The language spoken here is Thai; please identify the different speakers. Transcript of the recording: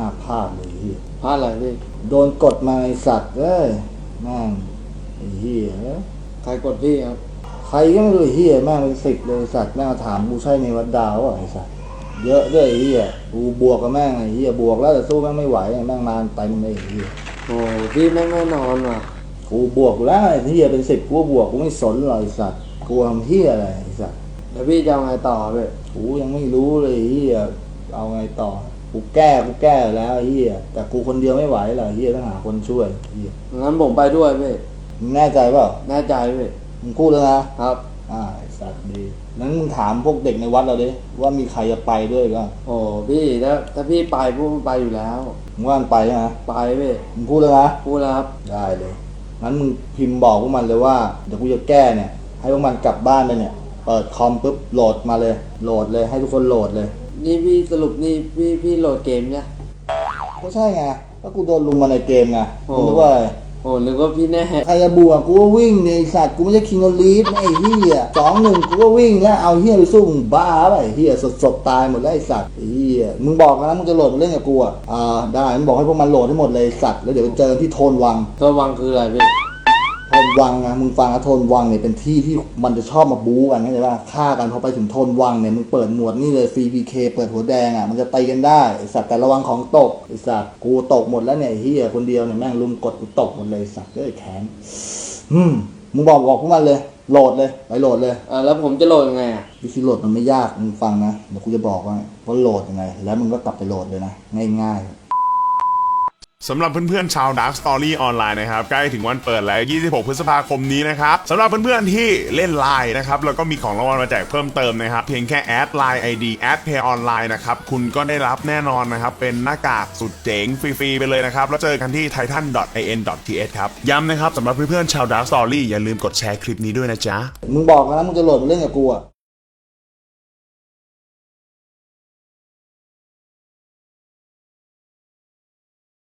Speaker 1: น้าพลาดเลยเฮีย
Speaker 2: พลาดอะไรพี่
Speaker 1: โดนกดมาไอสัตว์เอ้ยแม่งไอ้เฮีย
Speaker 2: ใครกดพี่ครับ
Speaker 1: ใครก็ไม่รู้เฮียแม่งเป็น10เลยสัตว์แม่งมาถามกูใช่ในวัดดาวไอ้สัตว์เยอะด้วยไอ้เฮียกูบวกกับแม่งไอ้เฮียบวกแล้วแต่สู้แม่งไม่ไหวแม่งมาเต็มเลยไอ้เฮีย
Speaker 2: โอ้พี่แม่งแน่นอนว่ะ
Speaker 1: กูบวกกูแล้วไอ้เฮียเป็น10กูบวกกูไม่สนหรอกไอ้สัตว์กูทำเฮียอะไรไอ้สัตว์
Speaker 2: แล้วพี่จะเอาไงต่อพี่
Speaker 1: กูยังไม่รู้เลยเฮียเอาไงต่อกูแก้แล้วไอ้เฮียแต่กูคนเดียวไม่ไหวหรอกเฮียต้องหาคนช่วยเฮีย
Speaker 2: งั้นผมไปด้วยพี่
Speaker 1: มึงแน่ใจเปล่า
Speaker 2: แน่ใจพี่
Speaker 1: มึงพูดแล้วนะครับ ไอ้สัตว์ดีนั้นมึงถามพวกเด็กในวัดเราดิว่ามีใครจะไปด้วยบ้าง
Speaker 2: โอ้พี่ถ้าพี่ไปพูดไปอยู่แล้ว
Speaker 1: มึงว่ามันไปใช่ไหม
Speaker 2: ไปพี่
Speaker 1: มึงพูดแล้วนะ
Speaker 2: พูดแล้วครับ
Speaker 1: ได้เลยงั้นมึงพิมพ์บอกพวกมันเลยว่าเดี๋ยวกูจะแก้เนี่ยให้พวกมันกลับบ้านไปเนี่ยเปิดคอมปุ๊บโหลดมาเลยโหลดเลยให้ทุกคนโหลดเลย
Speaker 2: นี่พี่สรุปนี่พี่โหลดเกมเนี่ย
Speaker 1: ก็ใช่ไงก็กูโดนลุมมาในเกมไง
Speaker 2: โอ้
Speaker 1: มึงรู้ว่าอะไร
Speaker 2: โอ้นึกว่าพี่แน่
Speaker 1: ใครจะบวกกูก็วิ่งเนี่ยไอ้สัตว์กูไม่ใช่คิงออลีฟไอ้เหี้ย2-1กูก็วิ่งแล้วเอาเหี้ยไปสู้มึงบ้าไปไอ้เหี้ยสดตายหมดแล้วไอ้สัตว์ไอ้เหี้ยมึงบอกนะมึงจะโหลดมาเล่นกับกูได้มึงบอกให้พวกมันโหลดให้หมดเลยไอ้สัตว์แล้วเดี๋ยวไปเจอกันที่โทนวัง
Speaker 2: ตัววังคืออะไรพี่
Speaker 1: โทนวังนะมึงฟังนะโทนวังเนี่ยเป็นที่ที่มันจะชอบมาบู๊กันเข้าใจป่ะฆ่ากันพอไปถึงโทนวังเนี่ยมึงเปิดหมวดนี่เลย CPK เปิดหัวแดงมันจะตีกันได้ไอ้สัตว์แต่ระวังของตกไอ้สัตว์กูตกหมดแล้วเนี่ยไอ้เหี้ยคนเดียวเนี่ยแม่งลุมกดกูตกหมดเลยไอ้สัตว์เอ้ยแขนมึงบอกพวกมันเลยโหลดเลยไปโหลดเลย
Speaker 2: แล้วผมจะโหลดยังไงอ่ะ
Speaker 1: วิธีโหลดมันไม่ยากมึงฟังนะเดี๋ยวกูจะบอกว่าโหลดยังไงแล้วมึงก็กลับไปโหลดเลยนะง่ายๆ
Speaker 3: สำหรับเพื่อนๆชาว Dark Story ออนไลน์นะครับใกล้ถึงวันเปิดแล้ว 26 พฤษภาคมนี้นะครับสำหรับเพื่อนๆที่เล่นไลน์นะครับแล้วก็มีของรางวัลมาแจกเพิ่มเติมนะครับเพียงแค่แอดไลน์ ID แอด Pay Online นะครับคุณก็ได้รับแน่นอนนะครับเป็นหน้ากากสุดเจ๋งฟรีๆไปเลยนะครับแล้วเจอกันที่ titan.in.th ครับย้ำนะครับสำหรับเพื่อนๆชาว Dark Story อย่าลืมกดแชร์คลิปนี้ด้วยนะจ๊ะ
Speaker 1: มึงบอกนะมึงจะโหลดมาเล่นกับกู